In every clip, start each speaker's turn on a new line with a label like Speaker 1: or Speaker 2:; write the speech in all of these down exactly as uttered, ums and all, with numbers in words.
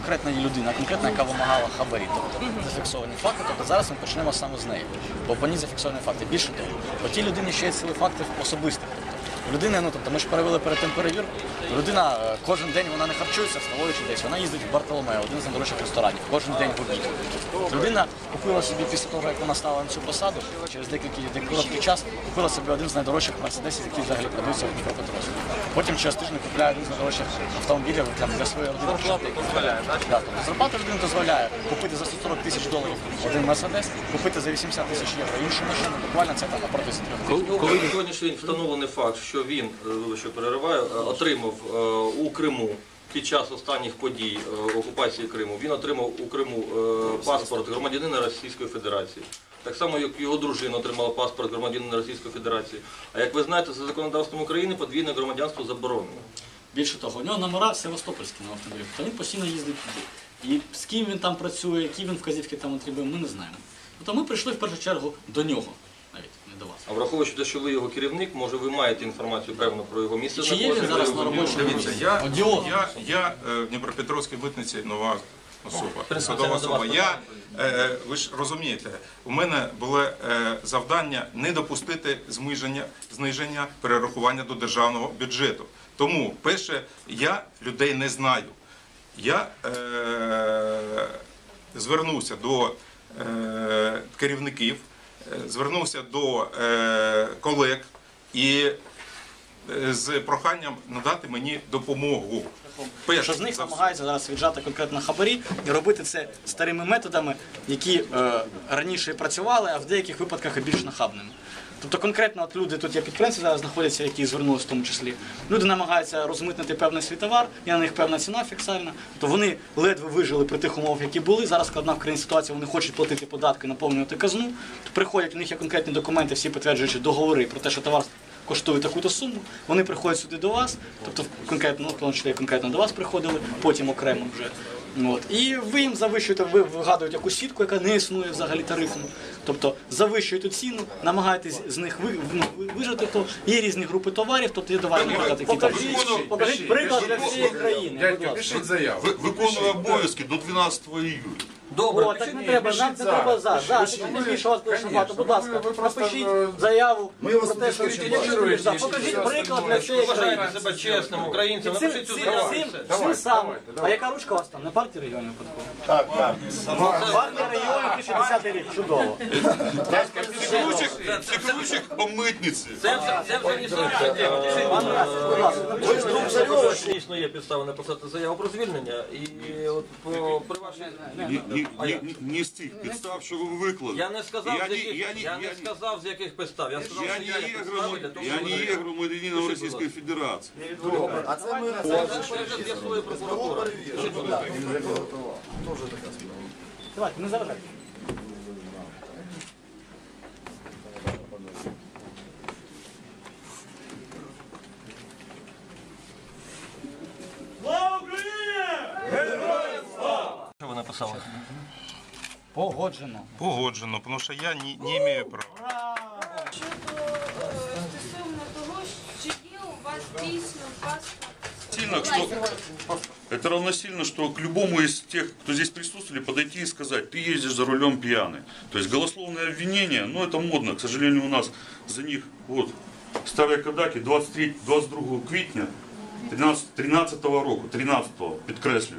Speaker 1: конкретна людина, конкретна, яка вимагала хабарі, тобто зафіксовані факти, тобто зараз ми почнемо саме з неї, бо по ній зафіксовані факти. Більше того, по тій людині ще є цілий фактів особистих. Людина, ну тобто ми ж перевели перед тим перевірку, людина кожен день вона не харчується, вставаючи десь, вона їздить в Бартоломео, один з найдорожчих ресторанів, кожен день в обід. Людина купила собі після того, як вона стала на цю посаду, через деякий короткий час купила собі один з найдорожчих мерседесів, які взагалі продаються в Дніпропетровську. Потім через тиждень купляє один з найдорожчих автомобілів там, для своєї родини. Да, тобто, зарплата людини дозволяє купити за сто сорок тисяч доларів один мерседес, купити за вісімдесят тисяч євро іншу машину, буквально це там напроти трьох.
Speaker 2: Коли на сьогоднішній день встановлений факт, що він, що перериваю, отримав у Криму під час останніх подій окупації Криму, він отримав у Криму паспорт громадянина Російської Федерації. Так само, як його дружина отримала паспорт громадянина Російської Федерації. А як ви знаєте, за законодавством України подвійне громадянство заборонено.
Speaker 1: Більше того, у нього номера Севастопольські на автомобілі, то він постійно їздить туди. І з ким він там працює, які він вказівки там отримує, ми не знаємо. Тобто ми прийшли в першу чергу до нього. Навіть не до вас.
Speaker 2: А враховуючи те, що ви його керівник, може ви маєте інформацію певно про його місце
Speaker 1: Чи є він зараз на робочому місці?
Speaker 3: Я, я, я в Дніпропетровській митниці нова особа, посадова особа. Я, е, ви ж розумієте, у мене було е, завдання не допустити зниження, зниження перерахування до державного бюджету. Тому, перше, я людей не знаю. Я е, звернувся до е, керівників, звернувся до е, колег і е, з проханням надати мені допомогу.
Speaker 1: Що з них намагаються зараз віджати конкретно хабарі і робити це старими методами, які е, раніше працювали, а в деяких випадках і більш нахабними. Тобто конкретно от люди, тут є підприємці зараз знаходяться, які звернулися в тому числі. Люди намагаються розмитнити певний свій товар, є на них певна ціна фіксальна. Тобто вони ледве вижили при тих умовах, які були. Зараз складна в країні ситуація, вони хочуть платити податки, наповнювати казну. То приходять, у них є конкретні документи, всі підтверджуючи договори про те, що товар коштує таку-то суму. Вони приходять сюди до вас, тобто конкретно, ну, конкретно до вас приходили, потім окремо вже. От. І ви їм завищуєте, ви вигадуєте якусь сітку, яка не існує взагалі тарифну. Тобто завищуєте ціну, намагаєтесь з них ви, ну, вижити, то є різні групи товарів, тобто є товарні наприклад, які там. Покажіть приклад для всієї країни.
Speaker 4: Виконую обов'язки до дванадцятого июля.
Speaker 1: Добре, О, так не треба, нам не треба за. Зараз, більше вас дуже багато. Будь ласка, напишіть заяву про те, що ви за. Покажіть приклад для всієї країни.
Speaker 2: Вважаєте себе чесним українцем, напишіть цю заяву.
Speaker 1: Цим самим. А яка ручка у вас там? Не партія регіонів випадково?
Speaker 4: Так, так.
Speaker 1: Партія регіонів дві тисячі десятий рік. Чудово.
Speaker 4: Це ключик по митниці.
Speaker 2: Це вже не сьогодні.
Speaker 1: Ви ж друг Царьова.
Speaker 2: Дійсно є підстави написати заяву про звільнення. І от при вашій...
Speaker 4: Не з тих підстав, що ви виклали.
Speaker 2: Я не сказав, з яких, я не сказав, з яких підстав. Я сказав, що я є підстави для того,
Speaker 4: Я не є громадянином Російської Федерації.
Speaker 1: А це ми...
Speaker 2: Я свою прокуратуру.
Speaker 1: Давайте, не заважайте.
Speaker 5: Слава Україні! Героям слава!
Speaker 2: Що ви написали?
Speaker 1: Погоджено.
Speaker 3: Погоджено, тому що я не, не маю права.
Speaker 6: Щодо е, стосовно того, чи є у вас дійсно паспорт?
Speaker 4: Сильно, что, это равносильно, что к любому из тех, кто здесь присутствовали, подойти и сказать, ты ездишь за рулем пьяный. То есть голословное обвинение, ну это модно, к сожалению, у нас за них, вот, старые кодаки, двадцять третього, двадцять другого квітня тринадцятого року, тринадцятого, підкреслюю.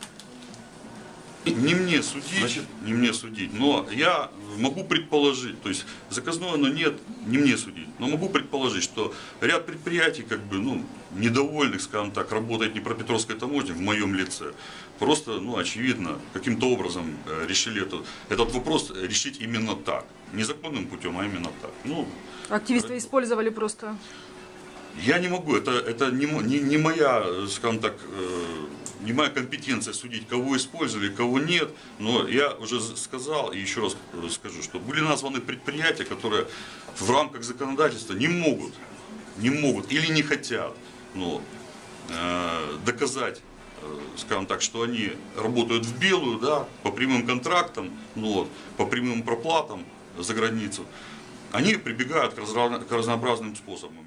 Speaker 4: Не мне судить, не мне судить, но я могу предположить, то есть заказное оно нет, не мне судить, но могу предположить, что ряд предприятий, как бы, ну, недовольных, скажем так, работает Днепропетровской таможней в моем лице, просто, ну, очевидно, каким-то образом решили этот, этот вопрос решить именно так, незаконным путем, а именно так. Ну,
Speaker 7: активисты использовали просто.
Speaker 4: Я не могу, это, это не, не, не моя, скажем так, не моя компетенция судить, кого использовали, кого нет, но я уже сказал и еще раз скажу, что были названы предприятия, которые в рамках законодательства не могут, не могут или не хотят, но, э, доказать, э, скажем так, что они работают в белую, да, по прямым контрактам, ну, по прямым проплатам за границу. Они прибегают к разнообразным способам.